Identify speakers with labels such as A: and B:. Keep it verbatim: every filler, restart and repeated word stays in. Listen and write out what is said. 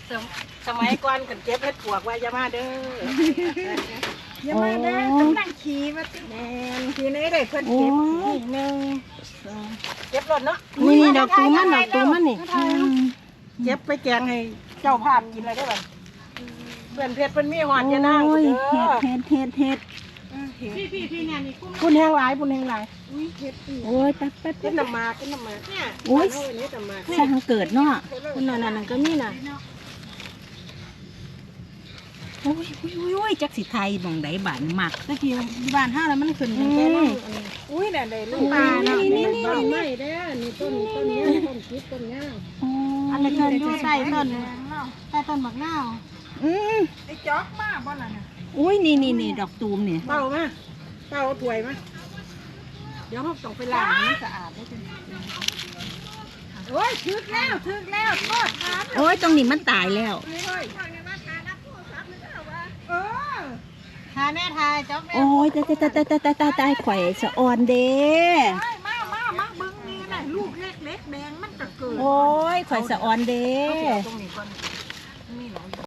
A: สมัยก่อนกันเก็บเห็ดปวกไว้ยามาเด้อ
B: อย่ามาเด้อต้องนั่งขี่มาติแมนขี่ไหนได้เพิ่นเก็บนี่หนึ่งสอง
A: เก็บรถเนาะ
C: นี่นี่ดอกตูมันดอกตูมันนี่
A: เก็บไปแกงให้เจ้าภาพกินเลยได้บ่เพื่อนเพชรเพิ่นมีหอดยานาง
C: โอ้ย
A: เด้อ
C: เฮ็ดเฮ็ดเฮ็ดเฮ็ด
A: พี่พี่พี่เนี่ยนี่พุ่นแห้งหลายพุ่นแห้งหลาย
C: โอ้ยแป๊บแป๊บ
A: กิ
C: แป๊
A: น
C: บ
A: น้ำมากินน้ำมาเนี่ย
C: โอ้ย
A: เาอันนี้น้ำมา
C: สร้างเกิดเนาะ
A: คุณนั่นนั่นก็มีน่ะ
C: โอ้ยโอ้ยโอ้ยโอ้ยจักสิไทยหม่องใดบ้านมัก
A: ตะกี้บ้านห้าแล้วมันขึ้นตั้งแต่นั้นอุ้ยเนี่ยได้ลูกปลาเนาะนี่นี่นี่นี่เด้อนี่ต้นต้นนี้ต้นคิดต้นย่าง อันนี้เกินอยู่ใต้ต้นใต้ต้นบักนาว
C: อืม
B: ไอ้จ๊อกมาบ่ล่ะน่ะ
C: โอ้ยนี่นี่นี่ดอกตูมเนี่ย
A: เต้ามาเต้าเอาถ้วยมาเดี๋ยวเราต้องไปล้างให้มันสะอาดได้จัง
B: โอ้ยถึกแล้วถึกแล้วโทษครับ
C: โอ้ยตรงนี้มันตายแล้ว
B: เฮ้ยเออ
A: ทาแน่ทายจ๊อกแม่
C: โอ้ยตายตายตายตายตายตายตายข่อยสะอ่อนเด้
B: เฮ้ยมามามาเบิ่งนี่น่ะลูกเล็กๆแดงมันก็เกิด
C: โอ้ยข่อยสะอ่อนเด้
A: เอาตรงนี้ก่อน